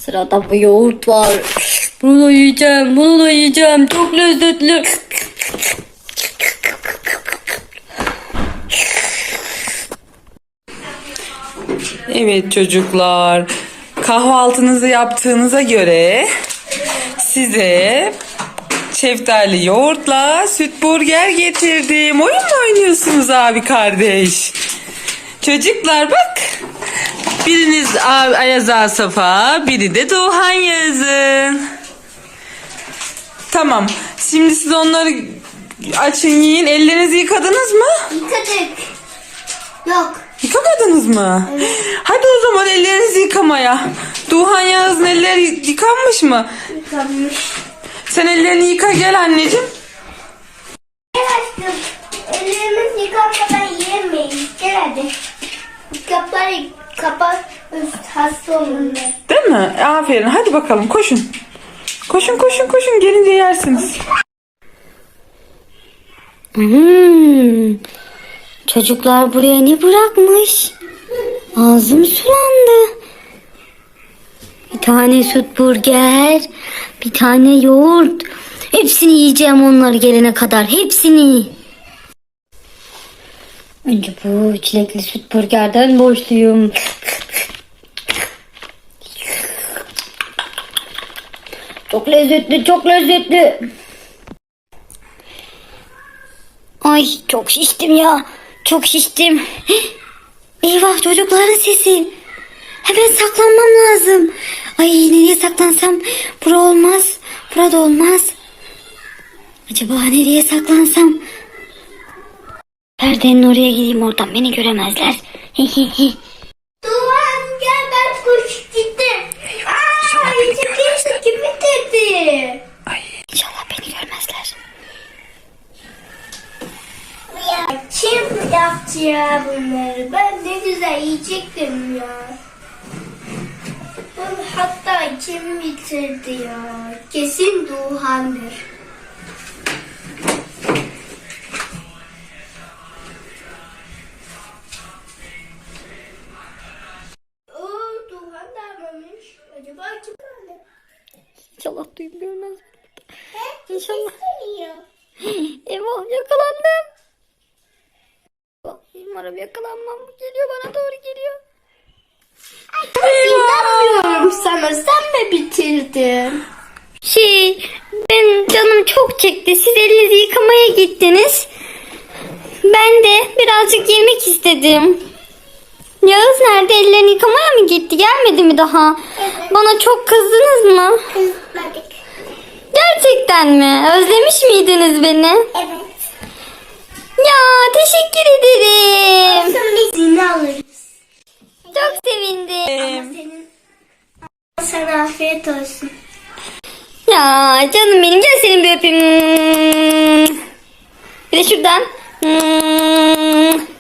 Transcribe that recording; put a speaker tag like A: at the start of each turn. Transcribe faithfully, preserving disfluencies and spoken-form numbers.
A: Sırada bu yoğurt var. Bunu da yiyeceğim. Bunu da yiyeceğim. Çok lezzetli.
B: Evet çocuklar, kahvaltınızı yaptığınıza göre size şeftali yoğurtla süt burger getirdim. Oyun mu oynuyorsunuz abi kardeş? Çocuklar bak, biriniz Ayaz Asaf'a, biri de Doğan Yağız'ın. Tamam, şimdi siz onları açın, yiyin. Ellerinizi yıkadınız mı?
C: Yıkadık. Yok.
B: Yıkamadınız mı?
C: Evet.
B: Hadi o zaman ellerinizi yıkamaya. Doğan Yağız'ın elleri yıkanmış mı?
C: Yıkanmış.
B: Sen ellerini yıka gel anneciğim.
C: Gel aşkım. Ellerimiz yıkanmadan yiyemeyiz. Gel hadi. Kapları kapat. Üst hasta olurlar.
B: Değil mi? Aferin. Hadi bakalım koşun. Koşun koşun koşun. Gelince yersiniz.
A: Hmm. Çocuklar buraya ne bırakmış? Ağzım sulandı. Bir tane süt burger, bir tane yoğurt. Hepsini yiyeceğim onlar gelene kadar. Hepsini. Önce bu çilekli süt burgerden boşluyum. Çok lezzetli, çok lezzetli. Ay çok şiştim ya. Çok şiştim. Eyvah, çocukların sesi. Hemen saklanmam lazım. Ay nereye saklansam? Bura olmaz. Burada olmaz. Acaba nereye saklansam? Perdenin oraya gideyim, oradan beni göremezler.
C: Duvan gel, ben kuş gittim. Aaa içi kim bitirdi?
B: Ay.
A: İnşallah beni görmezler.
C: Ya kim yaptı ya bunları? Ben ne güzel yiyecektim ya. Bunu hatta kim bitirdi ya? Kesin Duhan'dır. Oo, Duhan da almamış. Acaba kim aldı?
A: İnşallah duyum görmez.
C: He?
A: İnşallah.
C: Geliyor.
A: Eyvah, yakalandım. Umarım yakalanmam. Geliyor, bana doğru geliyor.
C: İnanmıyorum sana. Sen mi bitirdin?
A: Şey, ben canım çok çekti. Siz elinizi yıkamaya gittiniz. Ben de birazcık yemek istedim. Yağız nerede? Ellerini yıkamaya mı gitti? Gelmedi mi daha?
C: Evet.
A: Bana çok kızdınız mı?
C: Kızmadık.
A: Gerçekten mi? Özlemiş miydiniz beni?
C: Evet.
A: Ya teşekkür ederim.
C: Sonra biz yine alırız.
A: Çok sevindim.
C: Ama senin... Sana afiyet olsun.
A: Ya canım benim, gel seni bir öpeyim. Bir de şuradan.